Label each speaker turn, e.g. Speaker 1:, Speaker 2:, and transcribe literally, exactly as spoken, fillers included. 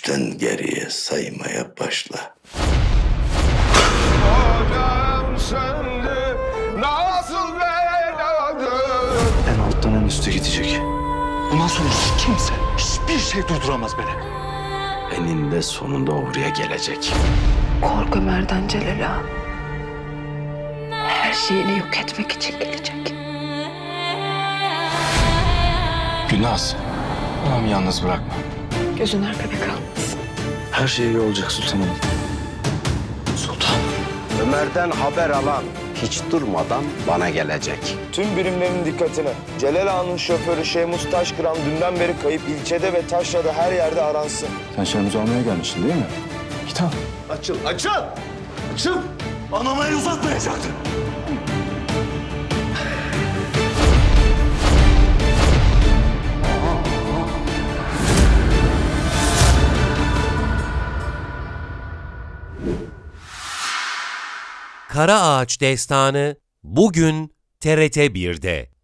Speaker 1: Üçten geriye saymaya başla.
Speaker 2: Hocam söndü, nasıl beladır?
Speaker 3: En alttan en üste gidecek. Bundan sonra hiç kimse, hiçbir şey durduramaz beni.
Speaker 1: Eninde sonunda oraya gelecek.
Speaker 4: Korku Ömer'den Celal'a her şeyini yok etmek için gelecek.
Speaker 3: Gülnaz, anamı yalnız bırakma.
Speaker 4: Gözün arkada kalmasın.
Speaker 3: Her şey iyi olacak sultanım. Sultan.
Speaker 5: Ömer'den haber alan hiç durmadan bana gelecek.
Speaker 2: Tüm birimlerin dikkatine. Celal Ağa'nın şoförü Şehmus Taşkıran dünden beri kayıp, ilçede ve taşrada her yerde aransın.
Speaker 3: Sen Şehmuz'u almaya gelmişsin değil mi? Git al.
Speaker 2: Açıl, açıl! Açıl!
Speaker 3: Anama el uzatmayacaktın.
Speaker 6: Kara Ağaç Destanı bugün T R T bir'de.